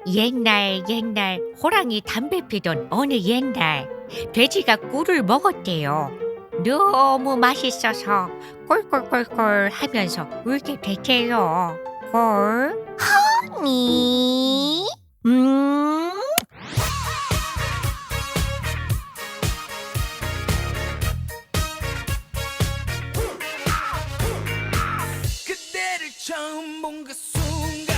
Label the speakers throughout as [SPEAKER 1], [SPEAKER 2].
[SPEAKER 1] 옛날 호랑이 담배 피던 어느 옛날 돼지가 꿀을 먹었대요. 너무 맛있어서 꿀꿀꿀꿀 하면서 울게 됐대요. 꿀?
[SPEAKER 2] 니?
[SPEAKER 3] 그대를 처음 본 그 순간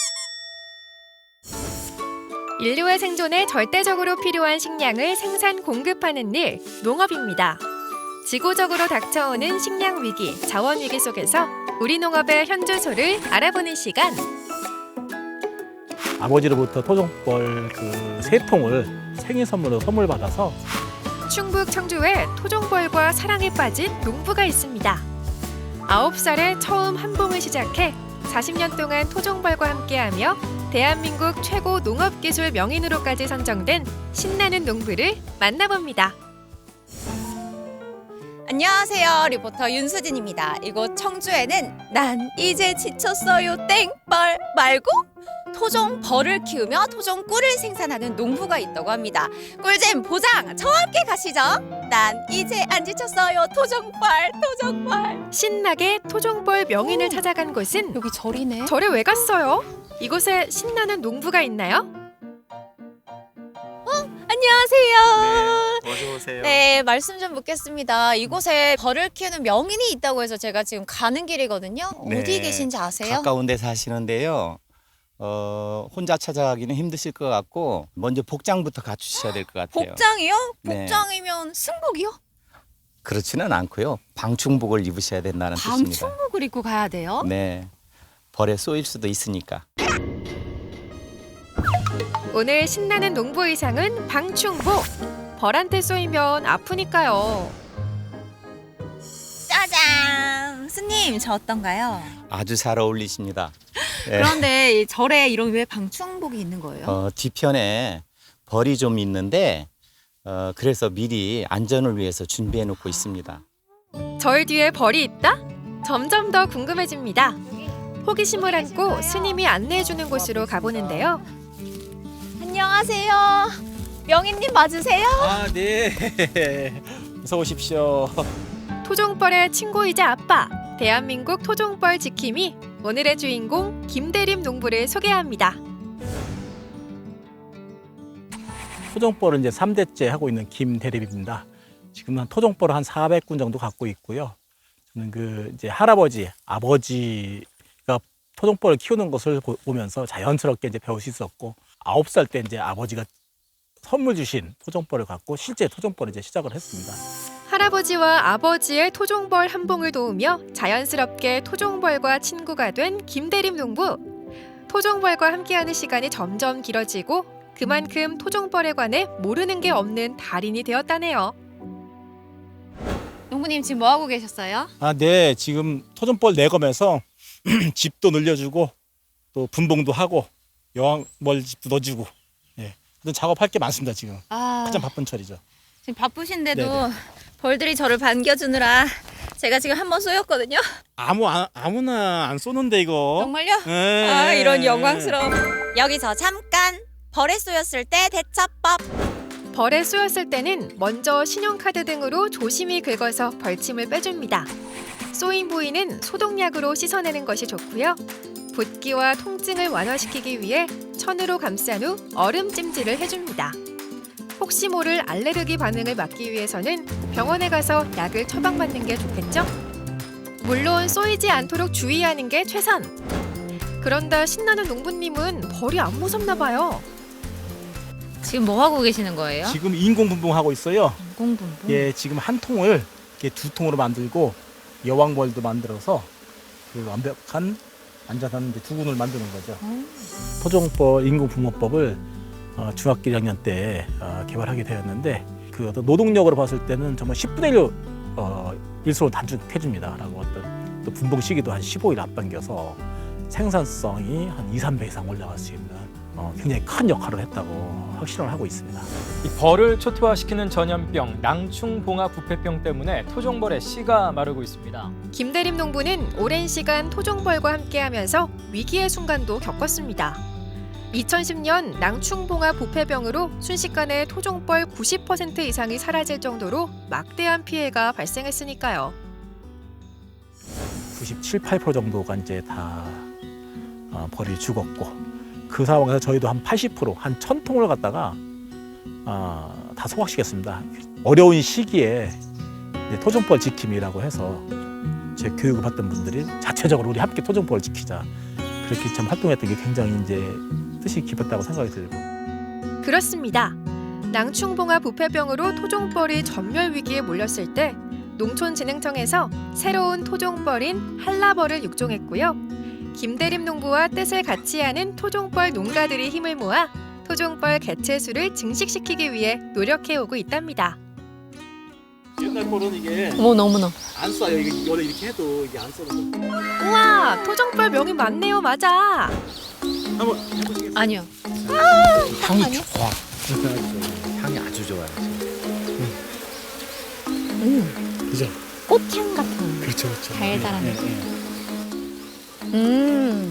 [SPEAKER 4] 인류의 생존에 절대적으로 필요한 식량을 생산 공급하는 일, 농업입니다. 지구적으로 닥쳐오는 식량 위기, 자원 위기 속에서 우리 농업의 현주소를 알아보는 시간.
[SPEAKER 5] 아버지로부터 토종벌 그 세 통을 생일 선물로 선물 받아서
[SPEAKER 4] 충북 청주에 토종벌과 사랑에 빠진 농부가 있습니다. 9살에 처음 한봉을 시작해 40년 동안 토종벌과 함께하며 대한민국 최고 농업기술 명인으로까지 선정된 신나는 농부를 만나봅니다.
[SPEAKER 2] 안녕하세요. 리포터 윤수진입니다. 이곳 청주에는 난 이제 지쳤어요 땡벌 말고 토종 벌을 키우며 토종 꿀을 생산하는 농부가 있다고 합니다. 꿀잼 보장! 저와 함께 가시죠. 난 이제 안 지쳤어요 토종벌.
[SPEAKER 4] 신나게 토종벌 명인을 찾아간 곳은
[SPEAKER 2] 여기 절이네.
[SPEAKER 4] 절에 왜 갔어요? 이곳에 신나는 농부가 있나요?
[SPEAKER 2] 안녕하세요.
[SPEAKER 6] 어서 오세요.
[SPEAKER 2] 네, 말씀 좀 묻겠습니다. 이곳에 벌을 키우는 명인이 있다고 해서 제가 지금 가는 길이거든요.
[SPEAKER 6] 네,
[SPEAKER 2] 어디 계신지 아세요?
[SPEAKER 6] 가까운 데 사시는데요. 혼자 찾아가기는 힘드실 것 같고 먼저 복장부터 갖추셔야 될 것 같아요.
[SPEAKER 2] 복장이요?
[SPEAKER 6] 네.
[SPEAKER 2] 복장이면 승복이요?
[SPEAKER 6] 그렇지는 않고요. 방충복을 입으셔야 된다는 뜻입니다.
[SPEAKER 2] 방충복을 입고 가야 돼요?
[SPEAKER 6] 네. 벌에 쏘일 수도 있으니까.
[SPEAKER 4] 오늘 신나는 농부 의상은 방충복. 벌한테 쏘이면 아프니까요.
[SPEAKER 2] 짜잔! 스님, 저 어떤가요?
[SPEAKER 6] 아주 잘 어울리십니다. 네.
[SPEAKER 2] 그런데 이 절에 이런 왜 방충복이 있는 거예요?
[SPEAKER 6] 뒤편에 벌이 좀 있는데 그래서 미리 안전을 위해서 준비해 놓고 있습니다.
[SPEAKER 4] 절 뒤에 벌이 있다? 점점 더 궁금해집니다. 호기심을 안고 스님이 안내해주는 곳으로 가보는데요.
[SPEAKER 2] 안녕하세요. 명인님 맞으세요?
[SPEAKER 5] 아, 네. 어서 오십시오.
[SPEAKER 4] 토종벌의 친구이자 아빠, 대한민국 토종벌 지킴이 오늘의 주인공 김대림 농부를 소개합니다.
[SPEAKER 5] 토종벌은 이제 3대째 하고 있는 김대립입니다. 지금은 토종벌을 한 400군 정도 갖고 있고요. 저는 그 이제 할아버지, 아버지가 토종벌을 키우는 것을 보면서 자연스럽게 이제 배울 수 있었고 9살 때 이제 아버지가 선물 주신 토종벌을 갖고 실제 토종벌을 이제 시작을 했습니다.
[SPEAKER 4] 할아버지와 아버지의 토종벌 한봉을 도우며 자연스럽게 토종벌과 친구가 된 김대림 농부. 토종벌과 함께하는 시간이 점점 길어지고 그만큼 토종벌에 관해 모르는 게 없는 달인이 되었다네요.
[SPEAKER 2] 농부님 지금 뭐 하고 계셨어요?
[SPEAKER 5] 아, 네. 지금 토종벌 내검에서 집도 늘려주고 또 분봉도 하고 여왕벌 집도 넣어주고 예. 하여튼 작업할 게 많습니다. 지금 가장 바쁜 철이죠.
[SPEAKER 2] 지금 바쁘신데도
[SPEAKER 5] 네네.
[SPEAKER 2] 벌들이 저를 반겨주느라 제가 지금 한 번 쏘였거든요.
[SPEAKER 5] 아무나 안 쏘는데 이거.
[SPEAKER 2] 정말요?
[SPEAKER 5] 예.
[SPEAKER 2] 아, 이런 영광스러움. 여기서 잠깐 벌에 쏘였을 때 대처법.
[SPEAKER 4] 벌에 쏘였을 때는 먼저 신용카드 등으로 조심히 긁어서 벌침을 빼줍니다. 쏘인 부위는 소독약으로 씻어내는 것이 좋고요. 붓기와 통증을 완화시키기 위해 천으로 감싼 후 얼음 찜질을 해줍니다. 혹시 모를 알레르기 반응을 막기 위해서는 병원에 가서 약을 처방받는 게 좋겠죠? 물론 쏘이지 않도록 주의하는 게 최선! 그런데 신나는 농부님은 벌이 안 무섭나 봐요.
[SPEAKER 2] 지금 뭐 하고 계시는 거예요?
[SPEAKER 5] 지금 인공 분봉하고 있어요.
[SPEAKER 2] 공분분.
[SPEAKER 5] 예, 지금 한 통을 이렇게 두 통으로 만들고 여왕벌도 만들어서 그 완벽한 안전한 이제 두 군을 만드는 거죠. 토종벌 인공 분봉법을 중학교 1학년 때 개발하게 되었는데 그 어떤 노동력으로 봤을 때는 정말 10분의 1 일수로 단축해줍니다라고 어떤 또 분봉 시기도 한 15일 앞당겨서 생산성이 한 2, 3배 이상 올라갈 수 있는 굉장히 큰 역할을 했다고 확신을 하고 있습니다.
[SPEAKER 7] 이 벌을 초토화시키는 전염병 낭충봉화 부패병 때문에 토종벌의 씨가 마르고 있습니다.
[SPEAKER 4] 김대림 농부는 오랜 시간 토종벌과 함께하면서 위기의 순간도 겪었습니다. 2010년 낭충봉화 부패병으로 순식간에 토종벌 90% 이상이 사라질 정도로 막대한 피해가 발생했으니까요.
[SPEAKER 5] 97, 8% 정도가 이제 다 벌이 죽었고 그 상황에서 저희도 한 80%, 한 1000통을 갖다가 다 소각시켰습니다. 어려운 시기에 이제 토종벌 지킴이라고 해서 제 교육을 받던 분들이 자체적으로 우리 함께 토종벌을 지키자 그렇게 참 활동했던 게 굉장히 이제 뜻이 깊었다고 생각이 들고.
[SPEAKER 4] 그렇습니다. 낭충봉화 부패병으로 토종벌이 전멸 위기에 몰렸을 때 농촌진흥청에서 새로운 토종벌인 한라벌을 육종했고요. 김대림 농부와 뜻을 같이 하는 토종벌 농가들이 힘을 모아 토종벌 개체수를 증식시키기 위해 노력해오고 있답니다.
[SPEAKER 5] 옛날 벌은 이게
[SPEAKER 2] 너무나.
[SPEAKER 5] 안 쏴요. 이게 원래 이렇게 해도 이게 안 쏘는 거.
[SPEAKER 4] 우와, 토종벌 명이 많네요. 맞아.
[SPEAKER 5] 한번 해보시겠어요?
[SPEAKER 2] 아니요.
[SPEAKER 6] 향이 좋아. 향이 아주 좋아요.
[SPEAKER 5] 그죠?
[SPEAKER 2] 꽃향 같은.
[SPEAKER 5] 그렇죠, 그렇죠.
[SPEAKER 2] 달달한
[SPEAKER 5] 예,
[SPEAKER 2] 느낌.
[SPEAKER 5] 예.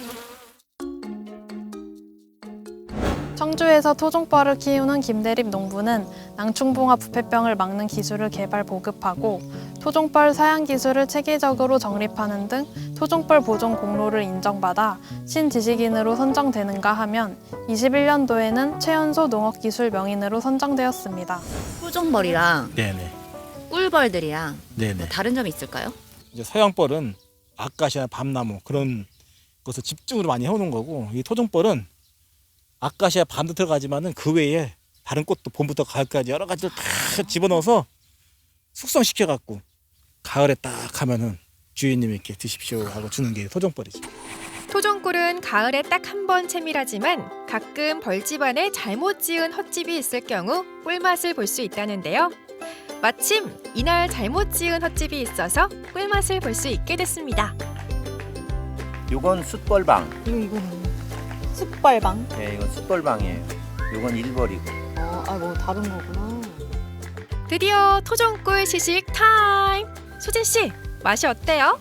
[SPEAKER 8] 청주에서 토종벌을 키우는 김대립 농부는 낭충봉화 부패병을 막는 기술을 개발 보급하고 토종벌 사양 기술을 체계적으로 정립하는 등 토종벌 보존 공로를 인정받아 신지식인으로 선정되는가 하면 21년도에는 최연소 농업기술 명인으로 선정되었습니다.
[SPEAKER 2] 토종벌이랑
[SPEAKER 5] 네네.
[SPEAKER 2] 꿀벌들이랑
[SPEAKER 5] 네네.
[SPEAKER 2] 다른 점이 있을까요?
[SPEAKER 5] 이제 서양벌은 아카시아, 밤나무 그런 것을 집중으로 많이 해오는 거고 이 토종벌은 아카시아 밤도 들어가지만은 그 외에 다른 꽃도 봄부터 가을까지 여러 가지를 다 집어넣어서 숙성시켜 갖고 가을에 딱 하면은 주인님께 드십시오 하고 주는 게 토종벌이죠.
[SPEAKER 4] 토종꿀은 가을에 딱 한 번 채밀하지만 가끔 벌집안에 잘못 지은 헛집이 있을 경우 꿀맛을 볼 수 있다는데요. 마침 이날 잘못 지은 헛집이 있어서 꿀맛을 볼 수 있게 됐습니다.
[SPEAKER 6] 요건 숯벌방.
[SPEAKER 2] 이거는 숯벌방.
[SPEAKER 6] 네, 이건 숯벌방이에요. 요건 일벌이고.
[SPEAKER 2] 뭐 다른 거구나.
[SPEAKER 4] 드디어 토종꿀 시식 타임! 수진 씨, 맛이 어때요?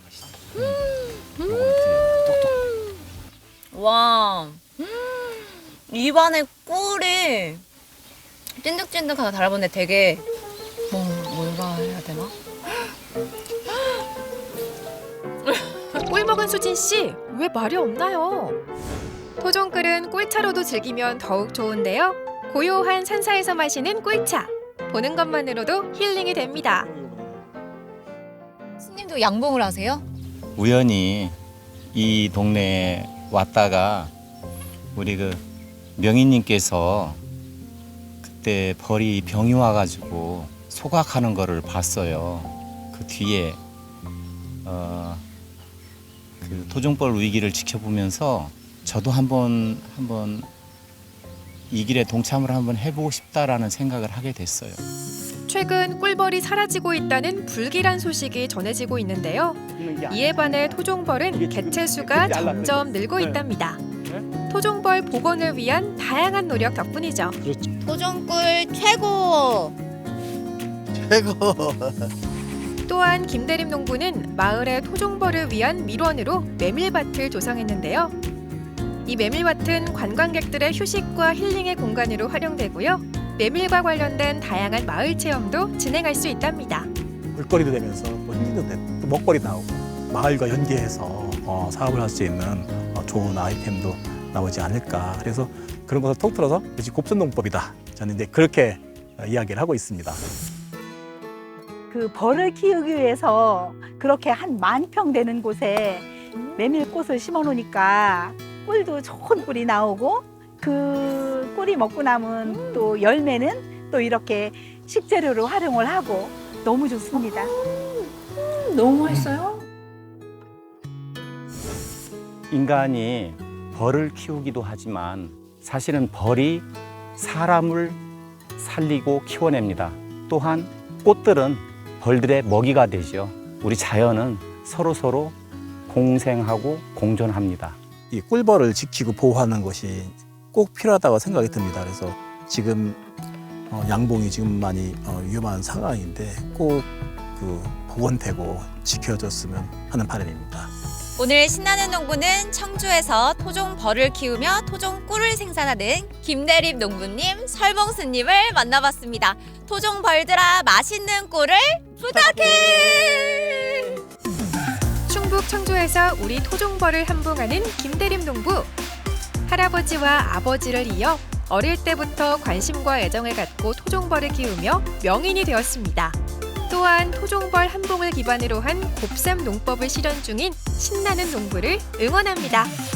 [SPEAKER 2] 와, 입안에 꿀이 찐득찐득하게 달아보는데 되게 뭐가 해야 되나?
[SPEAKER 4] 꿀 먹은 수진 씨, 왜 말이 없나요? 토종꿀은 꿀차로도 즐기면 더욱 좋은데요. 고요한 산사에서 마시는 꿀차. 보는 것만으로도 힐링이 됩니다.
[SPEAKER 2] 스님도 양봉을 하세요?
[SPEAKER 6] 우연히 이 동네에 왔다가 우리 그 명인님께서 그때 벌이 병이 와가지고 소각하는 거를 봤어요. 그 뒤에 그 토종벌 위기를 지켜보면서 저도 한번 이 길에 동참을 한번 해보고 싶다라는 생각을 하게 됐어요.
[SPEAKER 4] 최근 꿀벌이 사라지고 있다는 불길한 소식이 전해지고 있는데요. 이에 반해 토종벌은 개체수가 점점 늘고 있답니다. 토종벌 복원을 위한 다양한 노력 덕분이죠.
[SPEAKER 2] 토종꿀 최고!
[SPEAKER 4] 또한 김대림 농부는 마을의 토종벌을 위한 밀원으로 메밀밭을 조성했는데요. 이 메밀밭은 관광객들의 휴식과 힐링의 공간으로 활용되고요. 메밀과 관련된 다양한 마을 체험도 진행할 수 있답니다.
[SPEAKER 5] 물거리도 되면서 뭐 힐링도 되고 또 먹거리 나오고 마을과 연계해서 사업을 할 수 있는 좋은 아이템도 나오지 않을까. 그래서 그런 것을 톡 틀어서 역시 곱선농법이다. 저는 이제 그렇게 이야기를 하고 있습니다.
[SPEAKER 9] 그 벌을 키우기 위해서 그렇게 한 10,000평 되는 곳에 메밀꽃을 심어 놓으니까 꿀도 좋은 꿀이 나오고 그 꿀이 먹고 남은 또 열매는 또 이렇게 식재료로 활용을 하고 너무 좋습니다.
[SPEAKER 2] 너무 맛있어요?
[SPEAKER 6] 인간이 벌을 키우기도 하지만 사실은 벌이 사람을 살리고 키워냅니다. 또한 꽃들은 벌들의 먹이가 되죠. 우리 자연은 서로 공생하고 공존합니다.
[SPEAKER 5] 이 꿀벌을 지키고 보호하는 것이 꼭 필요하다고 생각이 듭니다. 그래서 지금 양봉이 지금 많이 위험한 상황인데 꼭 그 복원되고 지켜졌으면 하는 바람입니다.
[SPEAKER 2] 오늘 신나는 농부는 청주에서 토종벌을 키우며 토종꿀을 생산하는 김대립 농부님, 설봉수님을 만나봤습니다. 토종벌들아 맛있는 꿀을 부탁해!
[SPEAKER 4] 충북 청주에서 우리 토종벌을 함봉하는 김대림 농부. 할아버지와 아버지를 이어 어릴 때부터 관심과 애정을 갖고 토종벌을 키우며 명인이 되었습니다. 또한 토종벌 함봉을 기반으로 한 곱삼 농법을 실현 중인 신나는 농부를 응원합니다.